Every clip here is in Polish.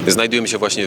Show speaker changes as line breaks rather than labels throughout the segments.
Znajdujemy się właśnie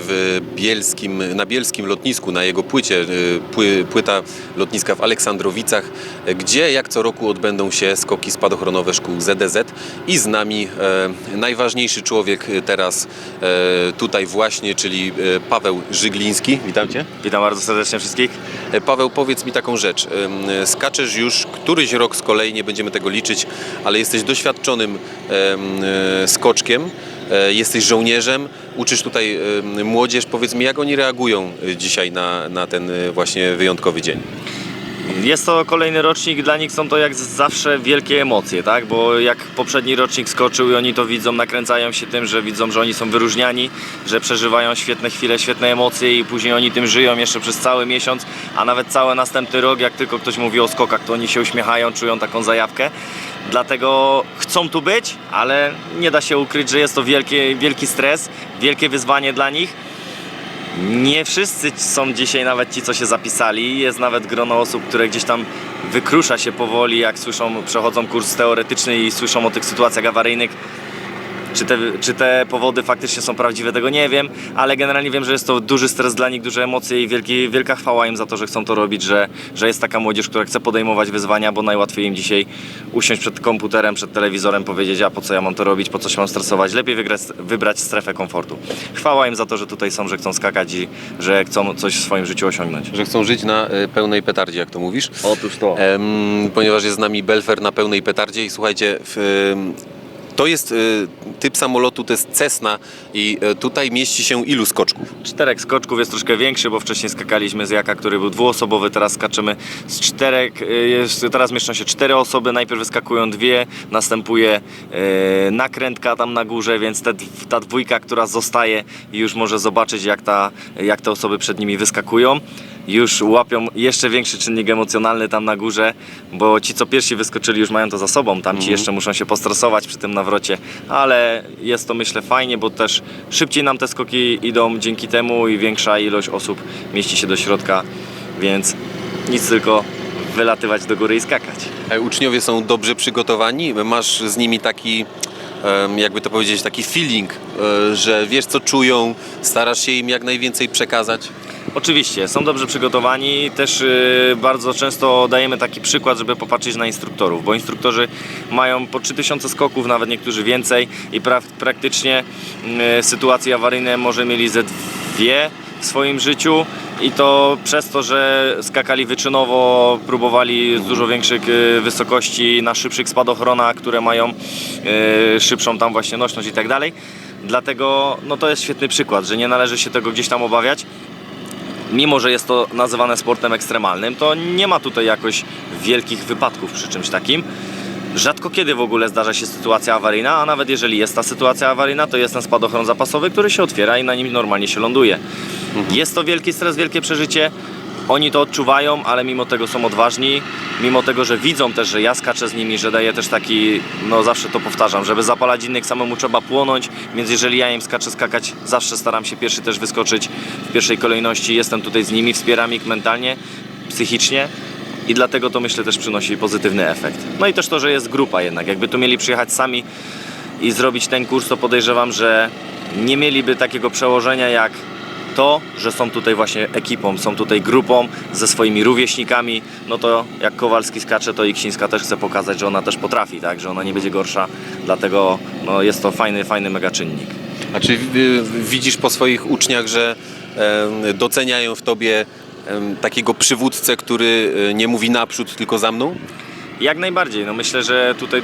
na bielskim lotnisku, na jego płycie, płyta lotniska w Aleksandrowicach, gdzie jak co roku odbędą się skoki spadochronowe szkół ZDZ i z nami najważniejszy człowiek teraz tutaj właśnie, czyli Paweł Żygliński. Witam Cię.
Witam bardzo serdecznie wszystkich.
Paweł, powiedz mi taką rzecz. Skaczesz już któryś rok z kolei, nie będziemy tego liczyć, ale jesteś doświadczonym skoczkiem. Jesteś żołnierzem, uczysz tutaj młodzież. Powiedz mi, jak oni reagują dzisiaj na ten właśnie wyjątkowy dzień?
Jest to kolejny rocznik, dla nich są to jak zawsze wielkie emocje, tak? Bo jak poprzedni rocznik skoczył i oni to widzą, nakręcają się tym, że widzą, że oni są wyróżniani, że przeżywają świetne chwile, świetne emocje i później oni tym żyją jeszcze przez cały miesiąc, a nawet cały następny rok, jak tylko ktoś mówi o skokach, to oni się uśmiechają, czują taką zajawkę. Dlatego chcą tu być, ale nie da się ukryć, że jest to wielki stres, wielkie wyzwanie dla nich. Nie wszyscy są dzisiaj nawet ci, co się zapisali. Jest nawet grono osób, które gdzieś tam wykrusza się powoli, jak słyszą, przechodzą kurs teoretyczny i słyszą o tych sytuacjach awaryjnych. Czy te powody faktycznie są prawdziwe, tego nie wiem, ale generalnie wiem, że jest to duży stres dla nich, duże emocje i wielka chwała im za to, że chcą to robić, że jest taka młodzież, która chce podejmować wyzwania, bo najłatwiej im dzisiaj usiąść przed komputerem, przed telewizorem, powiedzieć, a po co ja mam to robić, po co się mam stresować, lepiej wybrać strefę komfortu. Chwała im za to, że tutaj są, że chcą skakać i że chcą coś w swoim życiu osiągnąć.
Że chcą żyć na pełnej petardzie, jak to mówisz?
Otóż to.
Ponieważ jest z nami Belfer na pełnej petardzie i słuchajcie, to jest typ samolotu, to jest Cessna i tutaj mieści się ilu skoczków?
4 skoczków, jest troszkę większy, bo wcześniej skakaliśmy z Jaka, który był dwuosobowy, teraz skaczymy z 4, teraz mieszczą się 4 osoby, najpierw wyskakują 2, następuje nakrętka tam na górze, więc ta dwójka, która zostaje, już może zobaczyć, jak te osoby przed nimi wyskakują. Już łapią jeszcze większy czynnik emocjonalny tam na górze, bo ci, co pierwsi wyskoczyli, już mają to za sobą, tamci jeszcze muszą się postresować przy tym nawrocie, ale jest to, myślę, fajnie, bo też szybciej nam te skoki idą dzięki temu i większa ilość osób mieści się do środka, więc nic, tylko wylatywać do góry i skakać.
Uczniowie są dobrze przygotowani? Masz z nimi taki, jakby to powiedzieć, taki feeling, że wiesz, co czują, starasz się im jak najwięcej przekazać?
Oczywiście, są dobrze przygotowani, też bardzo często dajemy taki przykład, żeby popatrzeć na instruktorów, bo instruktorzy mają po 3000 skoków, nawet niektórzy więcej i praktycznie sytuacje awaryjne może mieli ze 2 w swoim życiu i to przez to, że skakali wyczynowo, próbowali z dużo większych wysokości na szybszych spadochronach, które mają szybszą tam właśnie nośność i tak dalej. Dlatego no to jest świetny przykład, że nie należy się tego gdzieś tam obawiać. Mimo że jest to nazywane sportem ekstremalnym, to nie ma tutaj jakoś wielkich wypadków przy czymś takim. Rzadko kiedy w ogóle zdarza się sytuacja awaryjna, a nawet jeżeli jest ta sytuacja awaryjna, to jest ten spadochron zapasowy, który się otwiera i na nim normalnie się ląduje. Jest to wielki stres, wielkie przeżycie. Oni to odczuwają, ale mimo tego są odważni, mimo tego, że widzą też, że ja skaczę z nimi, że daję też taki, no zawsze to powtarzam, żeby zapalać innych samemu trzeba płonąć, więc jeżeli ja im skaczę skakać, zawsze staram się pierwszy też wyskoczyć w pierwszej kolejności, jestem tutaj z nimi, wspieram ich mentalnie, psychicznie i dlatego to, myślę, też przynosi pozytywny efekt. No i też to, że jest grupa jednak, jakby tu mieli przyjechać sami i zrobić ten kurs, to podejrzewam, że nie mieliby takiego przełożenia jak to, że są tutaj właśnie ekipą, są tutaj grupą ze swoimi rówieśnikami, no to jak Kowalski skacze, to Iksińska też chce pokazać, że ona też potrafi, tak, że ona nie będzie gorsza, dlatego no, jest to fajny mega czynnik.
A czy widzisz po swoich uczniach, że doceniają w tobie takiego przywódcę, który nie mówi naprzód, tylko za mną?
Jak najbardziej, no myślę, że tutaj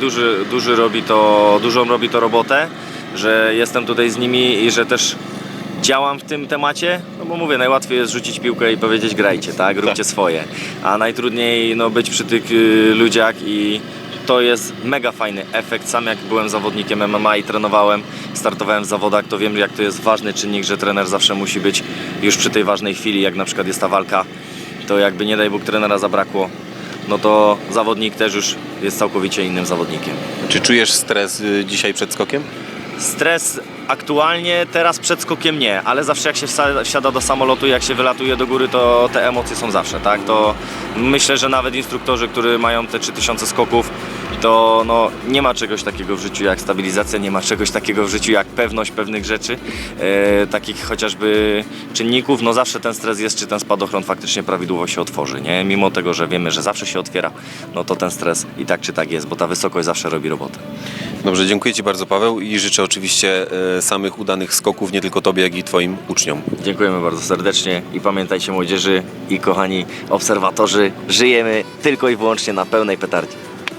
dużą robi to robotę, że jestem tutaj z nimi i że też działam w tym temacie, no bo mówię, najłatwiej jest rzucić piłkę i powiedzieć grajcie, tak, róbcie swoje, a najtrudniej no, być przy tych ludziach i to jest mega fajny efekt. Sam jak byłem zawodnikiem MMA i trenowałem, startowałem w zawodach, to wiem, jak to jest ważny czynnik, że trener zawsze musi być już przy tej ważnej chwili, jak na przykład jest ta walka, to jakby nie daj Bóg trenera zabrakło, no to zawodnik też już jest całkowicie innym zawodnikiem.
Czy czujesz stres dzisiaj przed skokiem?
Stres aktualnie, teraz przed skokiem nie, ale zawsze jak się wsiada do samolotu, jak się wylatuje do góry, to te emocje są zawsze, tak? To myślę, że nawet instruktorzy, którzy mają te 3000 skoków, to no, nie ma czegoś takiego w życiu jak stabilizacja, nie ma czegoś takiego w życiu jak pewność pewnych rzeczy, takich chociażby czynników. No zawsze ten stres jest, czy ten spadochron faktycznie prawidłowo się otworzy, nie? Mimo tego, że wiemy, że zawsze się otwiera, no to ten stres i tak czy tak jest, bo ta wysokość zawsze robi robotę.
Dobrze, dziękuję Ci bardzo, Paweł, i życzę oczywiście samych udanych skoków, nie tylko Tobie, jak i Twoim uczniom.
Dziękujemy bardzo serdecznie i pamiętajcie, młodzieży i kochani obserwatorzy, żyjemy tylko i wyłącznie na pełnej petardzie.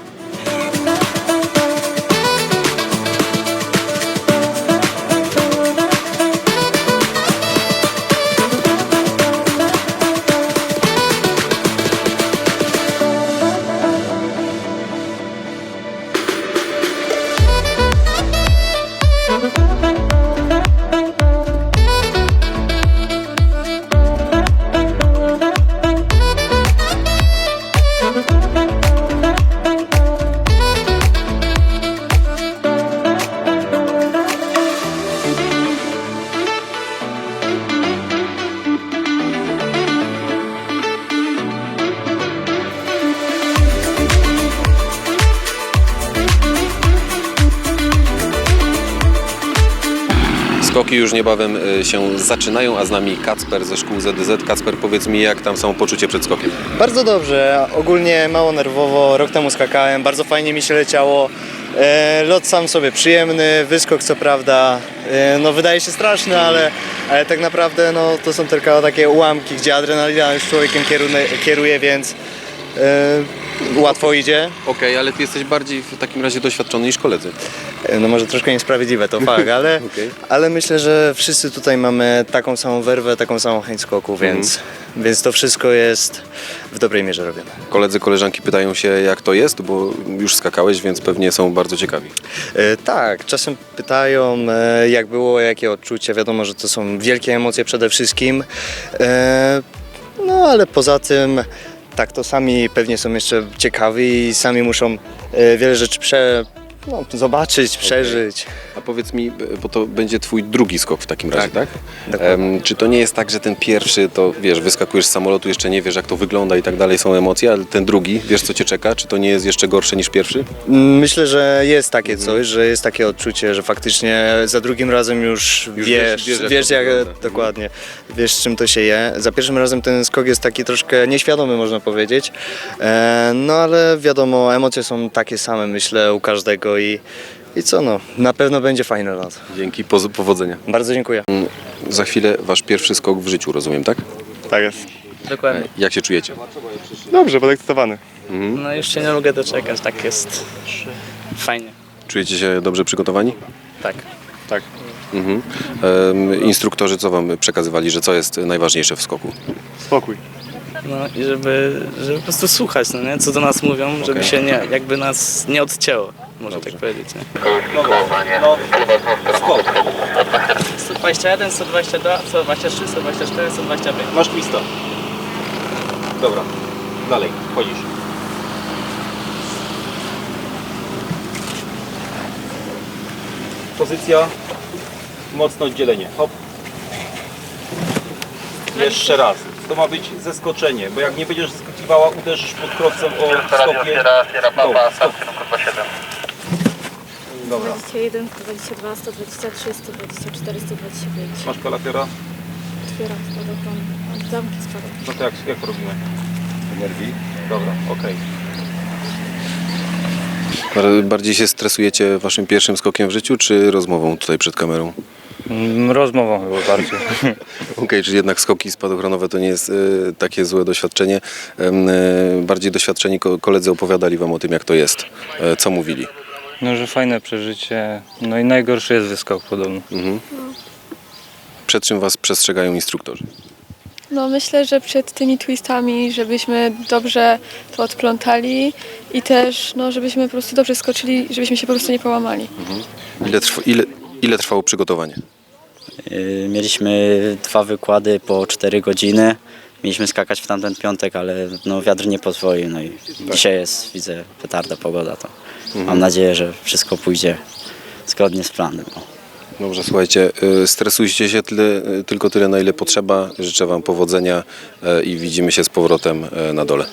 Skoki już niebawem się zaczynają, a z nami Kacper ze szkół ZDZ. Kacper, powiedz mi, jak tam samopoczucie przed skokiem?
Bardzo dobrze, ogólnie mało nerwowo, rok temu skakałem, bardzo fajnie mi się leciało. Lot sam sobie przyjemny, wyskok co prawda, no wydaje się straszny, ale tak naprawdę no, to są tylko takie ułamki, gdzie adrenalina już człowiekiem kieruje, więc łatwo idzie.
Okej, ale Ty jesteś bardziej w takim razie doświadczony niż koledzy.
No może troszkę niesprawiedliwe to fakt, ale,
Okej.
ale myślę, że wszyscy tutaj mamy taką samą werwę, taką samą chęć skoku, więc to wszystko jest w dobrej mierze robione.
Koledzy, koleżanki pytają się, jak to jest, bo już skakałeś, więc pewnie są bardzo ciekawi.
Tak, czasem pytają, jak było, jakie odczucia. Wiadomo, że to są wielkie emocje przede wszystkim. No ale poza tym, tak, to sami pewnie są jeszcze ciekawi i sami muszą wiele rzeczy zobaczyć, przeżyć.
A powiedz mi, bo to będzie Twój drugi skok w takim razie, tak?
Dokładnie.
Czy to nie jest tak, że ten pierwszy, to wiesz, wyskakujesz z samolotu, jeszcze nie wiesz, jak to wygląda i tak dalej, są emocje, ale ten drugi, wiesz, co Cię czeka? Czy to nie jest jeszcze gorsze niż pierwszy?
Myślę, że jest takie coś, że jest takie odczucie, że faktycznie za drugim razem już wiesz jak
wygląda.
dokładnie, wiesz czym to się je. Za pierwszym razem ten skok jest taki troszkę nieświadomy, można powiedzieć, no ale wiadomo, emocje są takie same, myślę, u każdego i co no, na pewno będzie fajny lot.
Dzięki, powodzenia.
Bardzo dziękuję.
Za chwilę Wasz pierwszy skok w życiu, rozumiem, tak?
Tak jest.
Dokładnie.
Jak się czujecie?
Dobrze, podekscytowany.
No już się nie mogę doczekać, tak jest fajnie.
Czujecie się dobrze przygotowani?
Tak.
Tak.
Mhm. Instruktorzy co Wam przekazywali, że co jest najważniejsze w skoku?
Spokój.
No i żeby po prostu słuchać, no nie? Co do nas mówią, żeby się nie, jakby nas nie odcięło, można tak powiedzieć, nie? 121, 122, 123, 124, 125.
Masz twista. Dobra, dalej, chodzisz. Pozycja, mocne oddzielenie. Hop. Jeszcze raz. To ma być zeskoczenie, bo jak nie będziesz skakiwała, uderzysz pod krowcem o stopie. Stop. Dobra.
21, 122, 123, 124, 125.
Masz kalafiora?
Otwieram spadochron. Zamki spadochron.
No to jak to robimy? Energii. Dobra, okej.
Bardziej się stresujecie Waszym pierwszym skokiem w życiu, czy rozmową tutaj przed kamerą?
Rozmową chyba bardziej.
Okej, czyli jednak skoki spadochronowe to nie jest takie złe doświadczenie. Bardziej doświadczeni koledzy opowiadali Wam o tym, jak to jest. Co mówili?
No, że fajne przeżycie. No i najgorszy jest wyskok podobno.
Przed czym Was przestrzegają instruktorzy?
No myślę, że przed tymi twistami, żebyśmy dobrze to odplątali i też no, żebyśmy po prostu dobrze skoczyli, żebyśmy się po prostu nie połamali.
Ile trwało przygotowanie?
Mieliśmy 2 wykłady po 4 godziny. Mieliśmy skakać w tamten piątek, ale no, wiatr nie pozwolił. No i dzisiaj jest, widzę, petarda, pogoda. To mam nadzieję, że wszystko pójdzie zgodnie z planem.
Dobrze, słuchajcie, stresujcie się tylko tyle, na ile potrzeba. Życzę Wam powodzenia i widzimy się z powrotem na dole.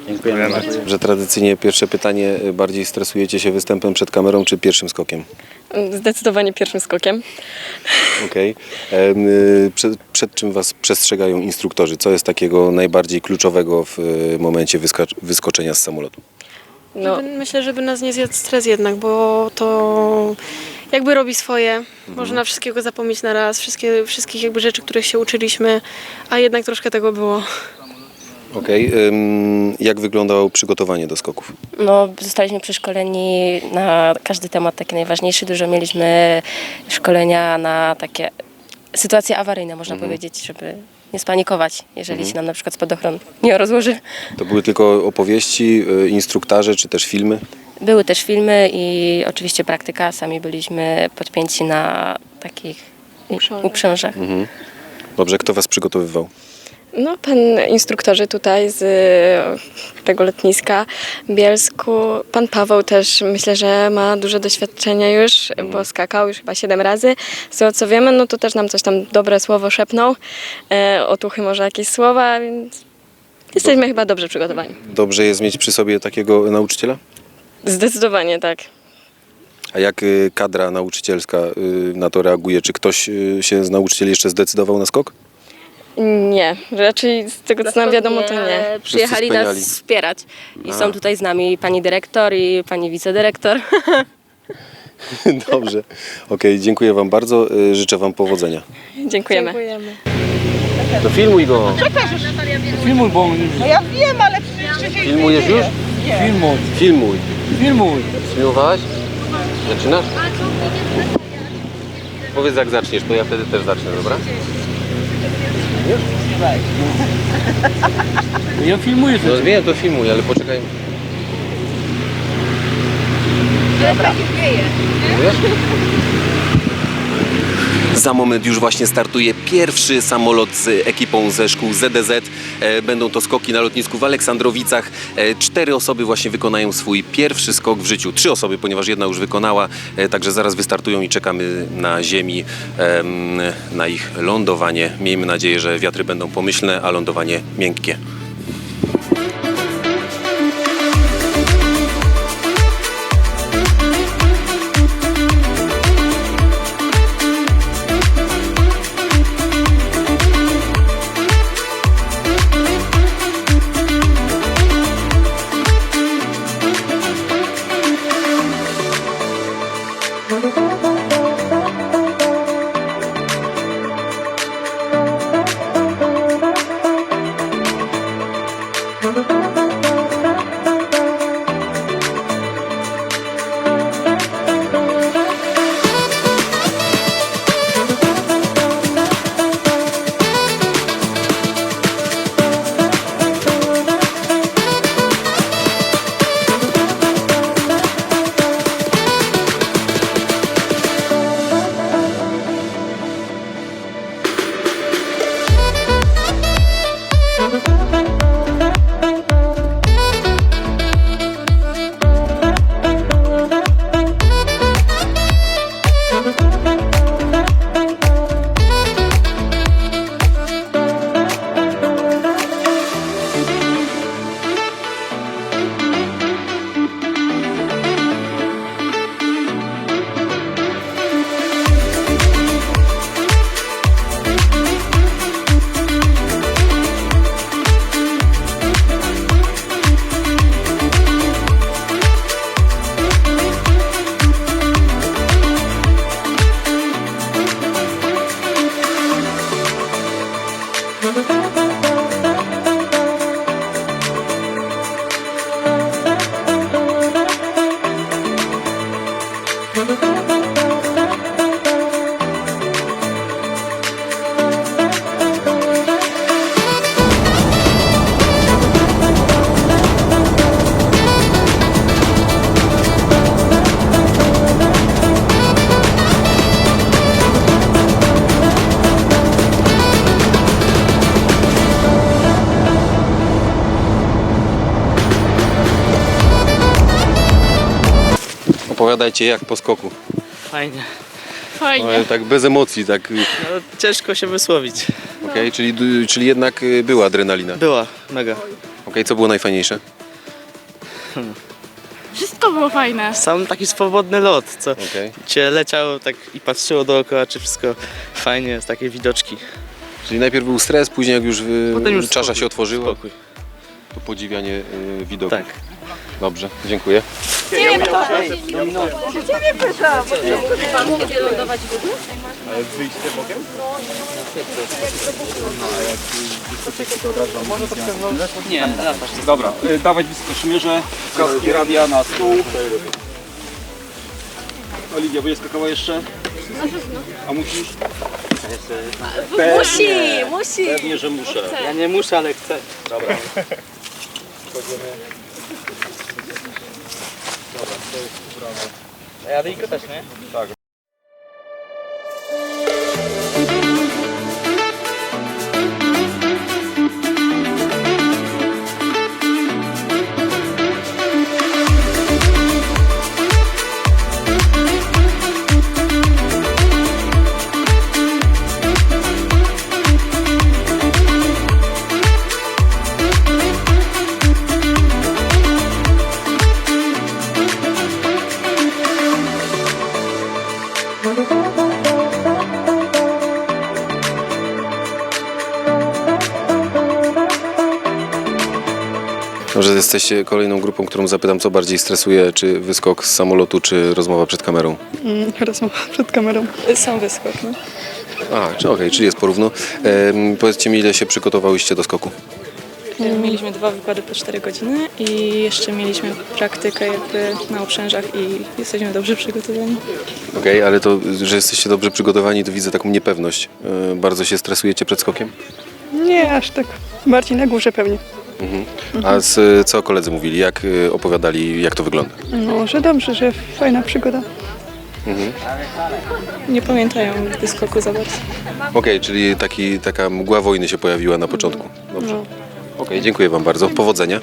Dziękujemy bardzo.
Że tradycyjnie pierwsze pytanie, bardziej stresujecie się występem przed kamerą czy pierwszym skokiem?
Zdecydowanie pierwszym skokiem.
Okej. Przed czym Was przestrzegają instruktorzy? Co jest takiego najbardziej kluczowego w momencie wyskoczenia z samolotu?
No,
Myślę, żeby nas nie zjadł stres jednak, bo to jakby robi swoje. Można wszystkiego zapomnieć na raz, wszystkich jakby rzeczy, których się uczyliśmy, a jednak troszkę tego było.
Okej. Jak wyglądało przygotowanie do skoków?
No, zostaliśmy przeszkoleni na każdy temat taki najważniejszy. Dużo mieliśmy szkolenia na takie sytuacje awaryjne, można powiedzieć, żeby nie spanikować, jeżeli się nam na przykład spadochron nie rozłoży.
To były tylko opowieści, instruktaże czy też filmy?
Były też filmy i oczywiście praktyka. Sami byliśmy podpięci na takich uprzężach.
Dobrze, kto Was przygotowywał?
No, instruktorzy tutaj z tego lotniska w Bielsku. Pan Paweł też myślę, że ma duże doświadczenie już, bo skakał już chyba 7 razy. Z tego co wiemy, no to też nam coś tam dobre słowo szepnął. Otuchy może jakieś słowa, więc jesteśmy chyba dobrze przygotowani.
Dobrze jest mieć przy sobie takiego nauczyciela?
Zdecydowanie tak.
A jak kadra nauczycielska na to reaguje? Czy ktoś się z nauczycieli jeszcze zdecydował na skok?
Nie, raczej z tego co nam wiadomo to nie.
Przyjechali wspaniali.
nas wspierać i są tutaj z nami pani dyrektor i pani wicedyrektor.
Dobrze. Okej, dziękuję Wam bardzo. Życzę Wam powodzenia.
Dziękujemy.
To filmuj go.
Filmuj, bo
No ja wiem, ale przecież...
Filmujesz już?
filmuj,
Filmuj.
filmuj.
Filmowałaś? Zaczynasz? Powiedz jak zaczniesz, to ja wtedy też zacznę, dobra?
Ja filmuję
No wiem, to filmuj, ale poczekaj. Za moment już właśnie startuje pierwszy samolot z ekipą ze szkół ZDZ. Będą to skoki na lotnisku w Aleksandrowicach. 4 osoby właśnie wykonają swój pierwszy skok w życiu. 3 osoby, ponieważ jedna już wykonała, także zaraz wystartują i czekamy na ziemi na ich lądowanie. Miejmy nadzieję, że wiatry będą pomyślne, a lądowanie miękkie. Opowiadajcie jak po skoku.
Fajnie.
Ale tak bez emocji, tak.
No, ciężko się wysłowić.
Okej, czyli jednak była adrenalina.
Była, mega.
Okej, co było najfajniejsze?
Wszystko było fajne.
Sam taki swobodny lot, co
Okej.
cię leciało tak i patrzyło dookoła, czy wszystko fajnie jest, takie widoczki.
Czyli najpierw był stres, później jak już,
Potem już
czasza
spokój,
się otworzyła,
Spokój.
to podziwianie widoku.
Tak.
Dobrze, dziękuję.
Nie,
Dobra, dawać wyskoczmierze, kaski radia na stół. Oliwia, będzie skakała jeszcze? A musisz?
Musi.
Pewnie, że muszę.
ja nie muszę, ale chcę.
Dobra.
A ja tylko też, nie?
Tak.
Może jesteście kolejną grupą, którą zapytam, co bardziej stresuje, czy wyskok z samolotu, czy rozmowa przed kamerą?
Rozmowa przed kamerą. Sam wyskok, no.
Okej, czyli jest porówno. Powiedzcie mi, ile się przygotowałyście do skoku?
Mieliśmy 2 wykłady po 4 godziny i jeszcze mieliśmy praktykę jakby na uprzężach i jesteśmy dobrze przygotowani.
Okej, ale to, że jesteście dobrze przygotowani, to widzę taką niepewność. Bardzo się stresujecie przed skokiem?
Nie, aż tak. Bardziej na górze pewnie.
A co koledzy mówili? Jak opowiadali, jak to wygląda?
No, że dobrze, że fajna przygoda. Nie pamiętają wyskoku za bardzo.
Okej, czyli taka mgła wojny się pojawiła na początku. Dobrze.
No.
Okej, dziękuję Wam bardzo. Powodzenia.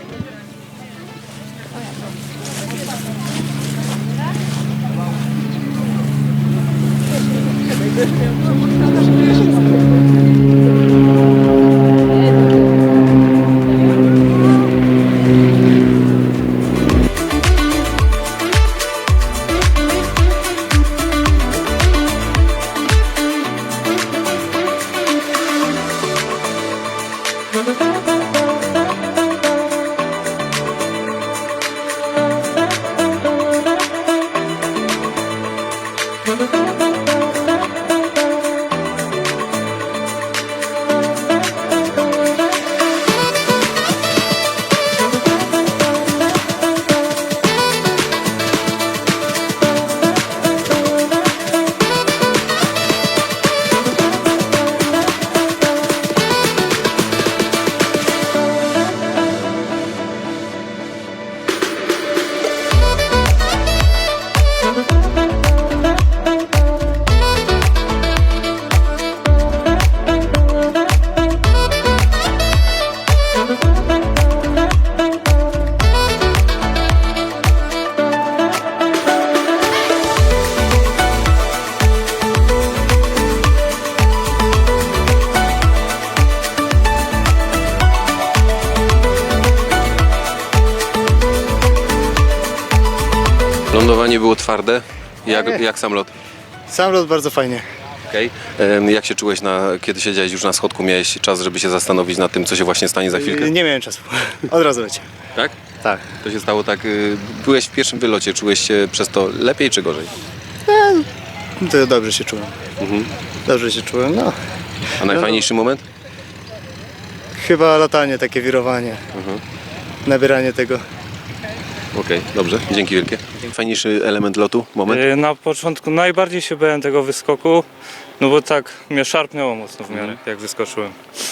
Lądowanie było twarde. Jak sam lot?
Sam lot bardzo fajnie.
Okej. Jak się czułeś, kiedy siedziałeś już na schodku? Miałeś czas, żeby się zastanowić nad tym, co się właśnie stanie za chwilkę?
Nie miałem czasu. Od razu leciałem.
Tak?
Tak.
To się stało tak. Byłeś w pierwszym wylocie. Czułeś się przez to lepiej czy gorzej?
To dobrze się czułem. Dobrze się czułem, no.
A najfajniejszy moment?
Chyba latanie, takie wirowanie. Nabieranie tego.
Okej, dobrze, dzięki wielkie.
Fajniejszy element lotu, moment?
Na początku najbardziej się bałem tego wyskoku, no bo tak mnie szarpnęło mocno w miarę, jak wyskoczyłem.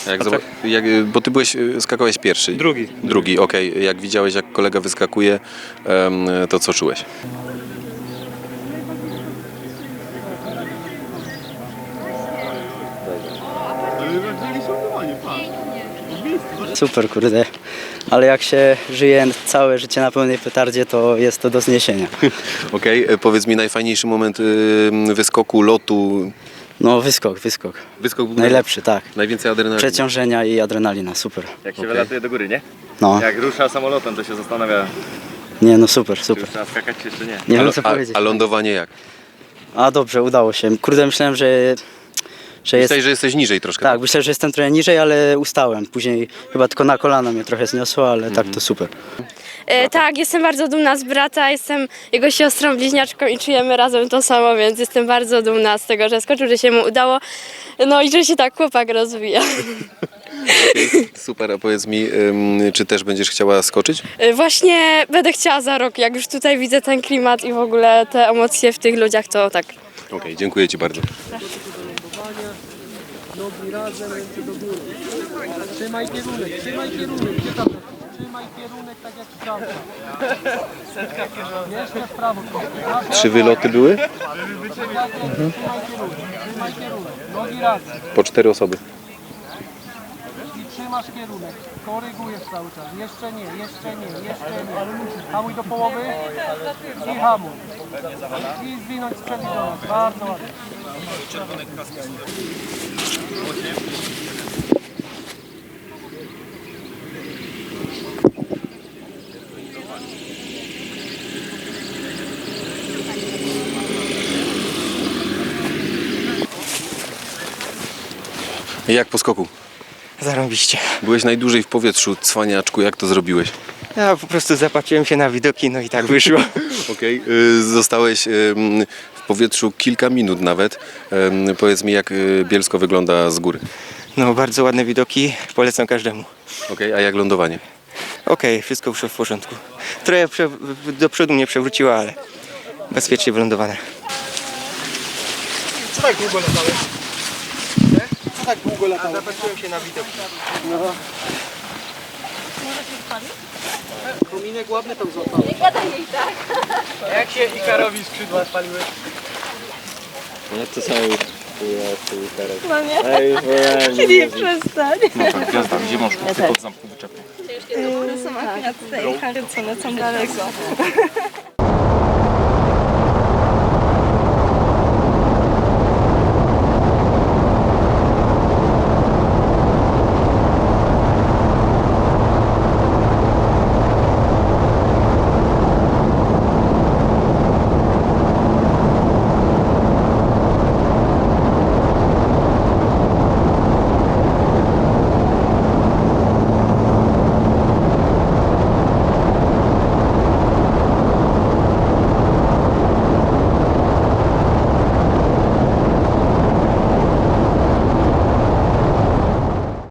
Bo ty skakałeś pierwszy.
Drugi.
Drugi, okej. Jak widziałeś, jak kolega wyskakuje, to co czułeś?
Super, kurde. Ale jak się żyje całe życie na pełnej petardzie, to jest to do zniesienia.
Okej, powiedz mi najfajniejszy moment wyskoku, lotu.
No wyskok.
Wyskok był
Najlepszy, tak.
Najwięcej adrenaliny.
Przeciążenia i adrenalina, super.
Jak się wylatuje do góry, nie?
No.
Jak rusza samolotem, to się zastanawia,
Nie, no super, super.
Trzeba skakać czy jeszcze nie?
Nie wiem co powiedzieć.
A lądowanie jak?
A dobrze, udało się. Kurde, myślałem, że jest...
Myślałeś, że jesteś niżej troszkę.
Tak, myślę, że jestem trochę niżej, ale ustałem. Później chyba tylko na kolana mnie trochę zniosło, ale tak to super.
Tak, jestem bardzo dumna z brata, jestem jego siostrą bliźniaczką i czujemy razem to samo, więc jestem bardzo dumna z tego, że skoczył, że się mu udało, no i że się tak chłopak rozwija.
Super, a powiedz mi, czy też będziesz chciała skoczyć?
Właśnie będę chciała za rok, jak już tutaj widzę ten klimat i w ogóle te emocje w tych ludziach, to tak.
Okej, dziękuję Ci bardzo.
Nogi razem, ręce do góry. Trzymaj kierunek, trzymaj kierunek. Gdzie tam? Trzymaj kierunek tak jak w prawo. Jeszcze w prawo.
3 wyloty były?
Trzymaj kierunek, trzymaj kierunek. Nogi razem.
Po 4 osoby.
I trzymasz kierunek. Korygujesz cały czas. Jeszcze nie, jeszcze nie, jeszcze nie. Hamuj do połowy i hamuj. I zwinąć sprzęt do nas. Bardzo ładnie.
Jak po skoku?
Zarąbiście.
Byłeś najdłużej w powietrzu, cwaniaczku, jak to zrobiłeś?
Ja po prostu zapatrzyłem się na widoki, no i tak wyszło.
Okej, zostałeś w powietrzu kilka minut nawet. Powiedz mi, jak Bielsko wygląda z góry?
No bardzo ładne widoki, polecam każdemu.
Okej, a jak lądowanie?
Okej, wszystko wyszło w porządku. Trochę do przodu mnie przewróciło, ale bezpiecznie wylądowane.
Co tak długo latałeś? Co tak długo latałeś? Zapatrzyłem się na widoki. No. Może się spali? Kominek ładny tam złapał. Nie gadaj jej tak. Jak się Ikarowi skrzydła spaliły?
No to samo już.
No nie? Nie przestań.
Gwiazda, gdzie masz pod zamku wyczepę?
Są akurat tutaj, co lecą daleko.